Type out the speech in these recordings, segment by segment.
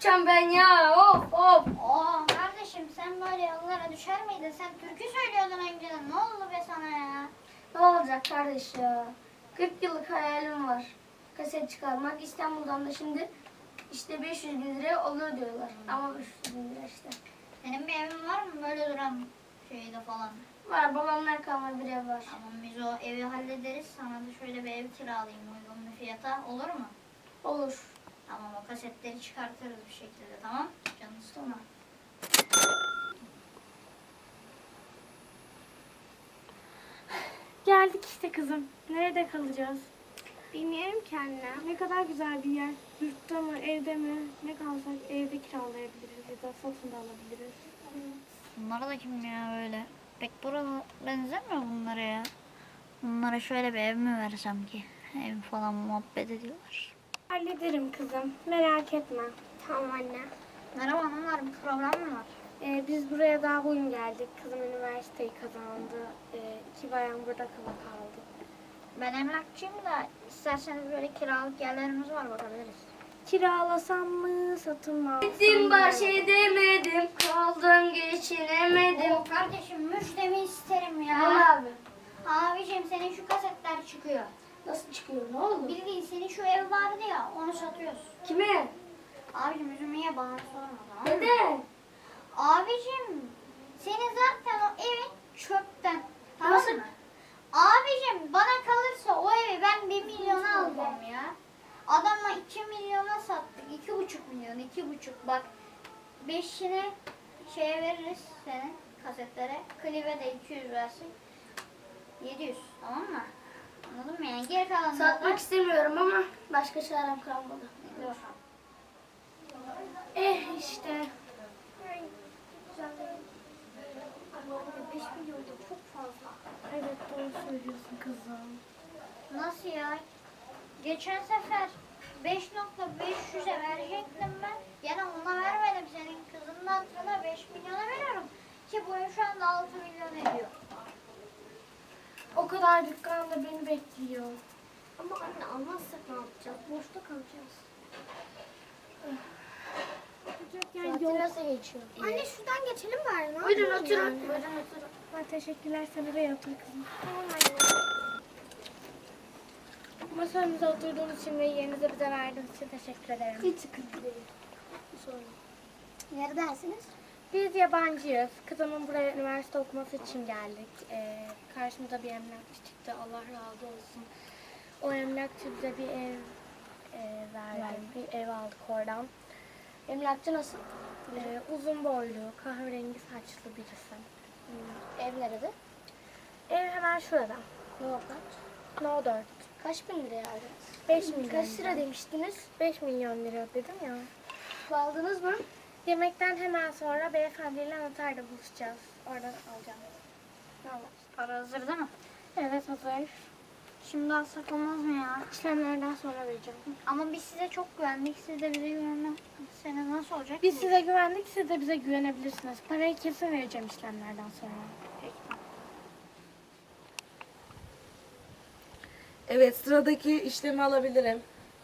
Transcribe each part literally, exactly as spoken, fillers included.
yapacağım ben ya? Of of. Oo kardeşim sen böyle yollara düşer miydin? Sen türkü söylüyordun önceden. Ne oldu be sana ya? Ne olacak kardeş ya? kırk yıllık hayalim var. Kaset çıkarmak. İstanbul'dan da şimdi işte beş yüz bin liraya olur diyorlar. Ama beş yüz bin lira işte. Senin bir evin var mı böyle duran şeyde falan? Var, babamdan kalma bir ev var. Tamam biz o evi hallederiz. Sana da şöyle bir ev kiralayayım uygun bir fiyata. Olur mu? Olur. Tamam o kasetleri çıkartırız bir şekilde tamam? Canını sıkma. Geldik işte kızım. Nerede kalacağız? Bilmiyorum ki anne. Ne kadar güzel bir yer. Yurtta mı, evde mi? Ne kalsak evde kiralayabiliriz ya da satın da alabiliriz. Bunlara da kim ya böyle? Pek bura benzemiyor bunlara ya. Bunlara şöyle bir ev mi versem ki? Ev falan muhabbet ediyorlar. Hallederim kızım. Merak etme. Tamam anne. Merhaba hanımlar bir problem mi var? Ee, biz buraya daha bugün geldik. Kızım üniversiteyi kazandı. Ee, iki bayan burada kala kaldı. Ben emlakçıyım da isterseniz böyle kiralık yerlerimiz var bakabiliriz. Kiralasam mı, satın mı alsam Gittim mı? baş edemedim. Kaldım geçinemedim. Oo kardeşim müjdemi isterim ya. Ne abi? Abicim senin şu kasetler çıkıyor. Nasıl çıkıyor? Ne oldu? Bildiğin senin şu ev vardı ya onu satıyoruz. Kime? Abicim üzülmeye bana sorma tamam mı? Neden? Abicim senin zaten o evin çöpten. Tamam Nasıl? mı? Abicim bana kalırsa o evi ben bir milyona alacağım ya. Adama iki milyona sattık. iki buçuk milyon, iki buçuk. Bak beşini şeye veririz senin kasetlere. Klibe de iki yüz versin. yedi yüz tamam mı? Anladın mı yani? Geri kalanını Satmak istemiyorum ama başka çarem kalmadı. Dur. Eh işte. beş milyon da çok fazla. Evet doğru söylüyorsun kızım. Nasıl ya? Geçen sefer beş nokta beş yüze verecektim ben. Gene ona vermedim. Senin kızının hatırına beş milyona veriyorum. Ki bu ev şu anda altı milyon ediyor. O kadar dükkanda beni bekliyor. Ama anne almazsak ne yapacağız? Boşta kalacağız. Yani Saati yol... nasıl geçiyor? Anne şuradan geçelim bari. Ne Buyurun yapalım oturun. yani? Buyurun oturun. Ha, teşekkürler sen oraya otur kızım. Tamam anne. Masamıza oturduğunuz için ve yerinizi bize verdiğiniz için teşekkür ederim. Hiç sıkıntı değil. Sorun. Neredesiniz? Biz yabancıyız. Kızımın buraya üniversite okuması için geldik. Ee, karşımıza bir emlakçı çıktı. Allah razı olsun. O emlakçı bize bir ev e, verdi. Bir ev aldık oradan. Emlakçı nasıl? Ee, uzun boylu, kahverengi saçlı birisi. Hmm, Ev nerede? Ev hemen şurada. Ne o kaç? No dört. Kaç bin liraya aldınız? beş milyon. Kaç lira demiştiniz? beş milyon lira dedim ya. Aldınız mı? Yemekten hemen sonra beyefendiyle noterle buluşacağız. Oradan alacağım. Tamam. Para hazır değil mi? Evet hazır. Şimdi alsak olmaz mı ya? İşlemlerden sonra vereceğim. Ama biz size çok güvendik. Siz de bize güvenmezseniz nasıl olacak? Biz size güvendik, siz de bize güvenebilirsiniz. Parayı kesin vereceğim işlemlerden sonra. Evet, sıradaki işlemi alabilirim.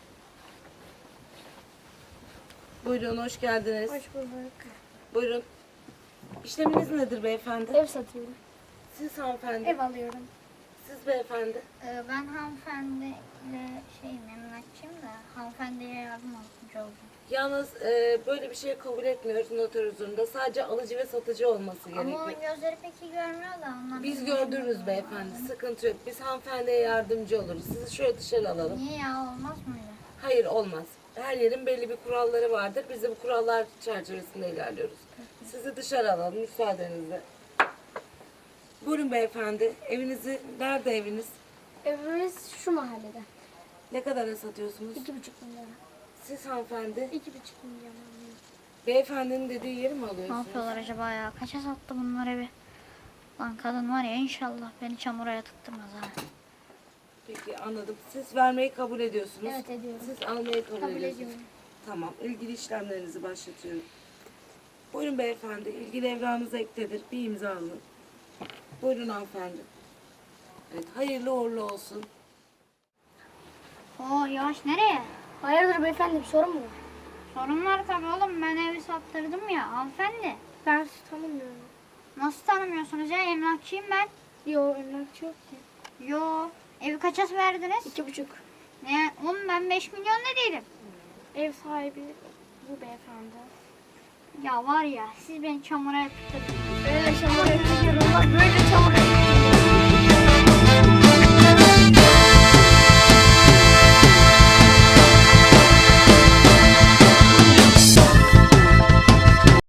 Buyurun, hoş geldiniz. Hoş bulduk. Buyurun. İşleminiz nedir beyefendi? Ev satıyorum. Siz hanımefendi. Ev alıyorum. Siz beyefendi. Ee, ben hanımefendiyle şeyim emlakçıyım da hanımefendiye yardım almış oldum. Yalnız e, böyle bir şey kabul etmiyoruz noter huzurunda. Sadece alıcı ve satıcı olması Ama gerekiyor. onun gözleri pek iyi görmüyor da ondan. Biz gördünüz beyefendi, sıkıntı yok. Biz hanımefendiye yardımcı oluruz. Sizi şöyle dışarı alalım. Niye ya olmaz mı öyle? Hayır, olmaz. Her yerin belli bir kuralları vardır. Biz de bu kurallar çerçevesinde ilerliyoruz. Sizi dışarı alalım müsaadenizle. Buyurun beyefendi. Evinizi, nerede eviniz? Evimiz şu mahallede. Ne kadara satıyorsunuz? İki buçuk milyon. Siz hanımefendi, İki buçuk milyon alıyorum. beyefendinin dediği yeri mi Ne alıyorsunuz? yapıyorlar acaba ya? Kaça sattı bunları bir? Lan kadın var ya inşallah beni çamura yatıktırmaz ha. Peki anladım. Siz vermeyi kabul ediyorsunuz. Evet, ediyorum. Siz almayı kabul, Kabul ediyorsunuz. ediyorum. Tamam. İlgili işlemlerinizi başlatıyorum. Buyurun beyefendi. İlgili evranınıza ekledir. Bir imza alın. Buyurun hanımefendi. Evet. Hayırlı uğurlu olsun. Oo yavaş nereye? Hayırdır beyefendi, bir sorun mu var? Sorun var tabii oğlum. Ben evi sattırdım ya hanımefendi. Ben sizi tanımıyorum. Nasıl tanımıyorsunuz ya? Emlakçıyım ben. Yo, emlakçı yok ki. Yo. Evi kaça verdiniz? İki buçuk. Ne? Oğlum ben beş milyon ne değilim. Ev sahibi bu beyefendi. Ya var ya siz beni çamura yaptırdınız. Böyle çamur yapıyorum. Bak böyle çamur